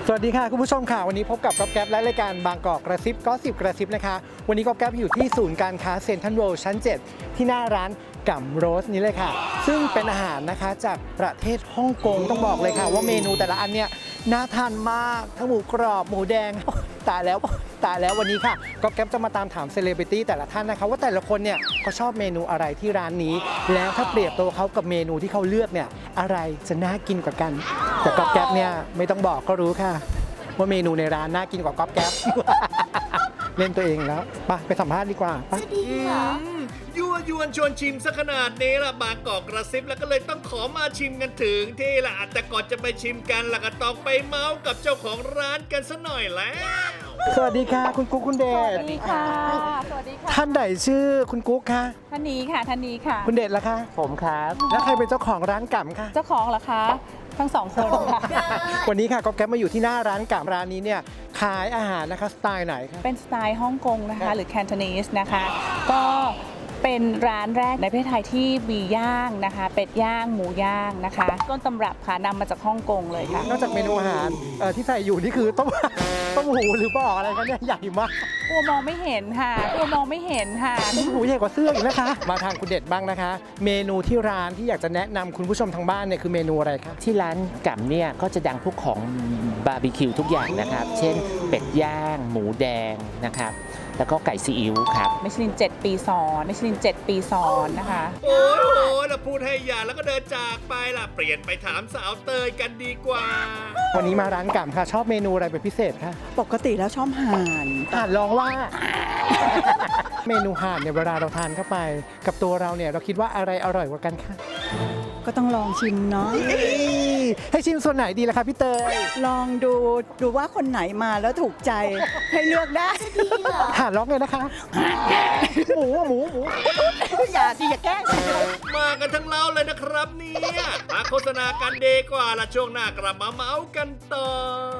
สวัสดีค่ะคุณผู้ชมค่ะวันนี้พบกับก๊อฟแก๊ปและรายการบางกอกกระซิบก็สิบกระซิบนะคะวันนี้ก๊อฟแก๊ปอยู่ที่ศูนย์การค้าเซ็นทรัลเวิลด์ชั้น 7 ที่หน้าร้านก่ำโรสนี้เลยค่ะซึ่งเป็นอาหารนะคะจากประเทศฮ่องกงต้องบอกเลยค่ะว่าเมนูแต่ละอันเนี่ยน่าทานมากทั้งหมูกรอบหมูแดงตายแล้ววันนี้ค่ะก๊อฟแก๊ปจะมาตามถามเซเลบริตี้แต่ละท่านนะคะว่าแต่ละคนเนี่ยเขาชอบเมนูอะไรที่ร้านนี้แล้วถ้าเปรียบตัวเขากับเมนูที่เขาเลือกเนี่ยอะไรจะน่ากินกว่ากันแต่ก๊อฟแก๊ปเนี่ยไม่ต้องบอกก็รู้ค่ะว่าเมนูในร้านน่ากินกว่าก๊อฟแก๊ป เล่นตัวเองแล้วไปสัมภาษณ์ดีกว่าไปยั่วยวนชวนชิมซะขนาดนี้ละบางกอกกระซิบแล้วก็เลยต้องขอมาชิมกันถึงที่ละแต่ก่อนจะไปชิมกันล่ะก็ต้องไปเมาส์กับเจ้าของร้านกันซะหน่อยแล้วสวัสดีค่ะคุณกุ๊กคุณเดชสวัสดีค่ะ สวัสดีค่ะท่านใดชื่อคุณกุ๊กคะท่านนี้ค่ะ ท่านนี้ค่ะคุณเดชล่ะคะผมครับแล้วใครเป็นเจ้าของร้านก่ำคะเจ้าของเหรอคะ ทั้งสองคนค่ะวันนี้ค่ะก๊อฟแก๊ปมาอยู่ที่หน้าร้านก่ำร้านนี้เนี่ยขายอาหารนะคะสไตล์ไหนคะเป็นสไตล์ฮ่องกงนะคะ หรือ Cantonese นะคะ ก็เป็นร้านแรกในประเทศไทยที่มีย่างนะคะ เป็ดย่าง หมูย่างนะคะ ต้นตำรับค่ะนำมาจากฮ่องกงเลยค่ะนอกจากเมนูอาหารที่ใส่อยู่นี่คือต้มหูหรือบอกอะไรคะเนี่ยใหญ่มากกลัวมองไม่เห็นค่ะ กลัวมองไม่เห็นค่ะต้มหูใหญ่กว่าเสื้ออีกนะคะ มาทางคุณเดชบ้างนะคะ เมนูที่ร้านที่อยากจะแนะนำคุณผู้ชมทางบ้านเนี่ยคือเมนูอะไรคะที่ร้านก่ำเนี่ยก็จะดังพวกของบาร์บีคิวทุกอย่างนะครับ เช่นเป็ดย่าง หมูแดงนะครับ แล้วก็ไก่ซีอิ๊วครับมิชลิน 7 ปีซ้อนมิชลิน 7 ปีซ้อนนะคะโอ้ยแล้วพูดให้อย่าแล้วก็เดินจากไปล่ะเปลี่ยนไปถามสาวเตยกันดีกว่าวันนี้มาร้านก่ำค่ะชอบเมนูอะไรเป็นพิเศษคะปกติแล้วชอบห่านห่านลองว่า เมนูห่านเนี่ยเวลาเราทานเข้าไป กับตัวเราเนี่ยเราคิดว่าอะไรอร่อยกว่ากันคะก็ต้องลองชิมเนาะให้ชิมส่วนไหนดีล่ะคะพี่เตยลองดูว่าคนไหนมาแล้วถูกใจให้เลือกได้ห่านร้องเลยนะคะ หมูอย่าสิอย่าแกล้งมากันทั้งเล้าเลยนะครับเนี่ยมาโฆษณากันดีกว่าละช่วงหน้ากลับมาเมาส์กันต่อ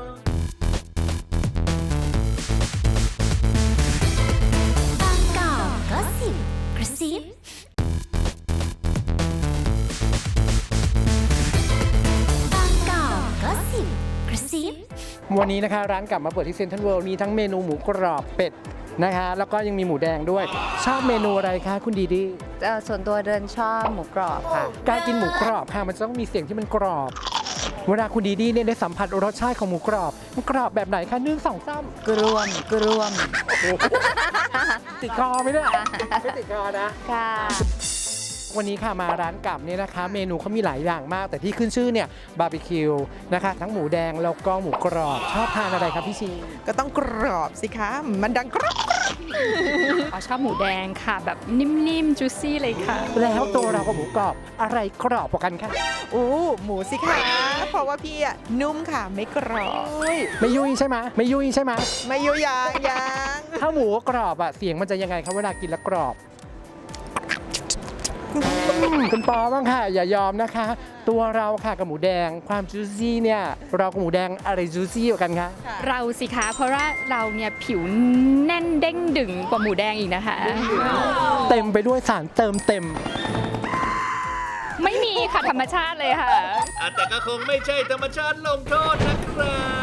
บางกอกก็สิบกระซิบบบางกอกก็สิบกระซิบวันนี้นะคะร้านกลับมาเปิดที่เซ็นทรัลเวิลด์มีทั้งเมนูหมูกรอบเป็ดนะคะแล้วก็ยังมีหมูแดงด้วย ชอบเมนูอะไรคะคุณดีดีส่วนตัวเดินชอบหมูกรอบค่ะการกินหมูกรอบค่ะมันจะต้องมีเสียงที่มันกรอบ เวลาคุณดีดีเนี่ยได้สัมผัสรสชาติของหมูกรอบมันกรอบแบบไหนคะ1 2 3 กรวมติดคอไหมเนี่ยไม่ติดคอนะค่ะวันนี้ค่ะมาร้านกับเนี่ยนะคะ เมนูเขามีหลายอย่างมาก แต่ที่ขึ้นชื่อเนี่ยบาร์บีคิวนะคะทั้งหมูแดงแล้วก็หมูกรอบชอบทานอะไรครับพี่ชีก็ต้องกรอบสิคะ มันดังกรอบชอบหมูแดงค่ะ แบบนิ่มๆ จุซี่เลยค่ะแล้วตัวเรากับหมูกรอบอะไรกรอบกว่ากันคะหมูสิคะ เพราะว่าพี่อะนุ่มค่ะ ไม่กรอบไม่ยุ่ยใช่ไหมไม่ยุ่ยใช่ไหมไม่ยุยางยางถ้าหมูกรอบอะเสียงมันจะยังไงครับเวลากินแล้วกรอบคุณปอบ้างค่ะ อย่ายอมนะคะ ตัวเราค่ะกับหมูแดงความจูซี่เนี่ยเรากับหมูแดงอะไรจูซี่กว่ากันคะเราสิคะ เพราะว่าเราเนี่ยผิวแน่นเด้งดึงกว่าหมูแดงอีกนะคะเต็มไปด้วยสารเติมเต็มไม่มีค่ะ ธรรมชาติเลยค่ะแต่ก็คงไม่ใช่ธรรมชาติลงโทษนะครับ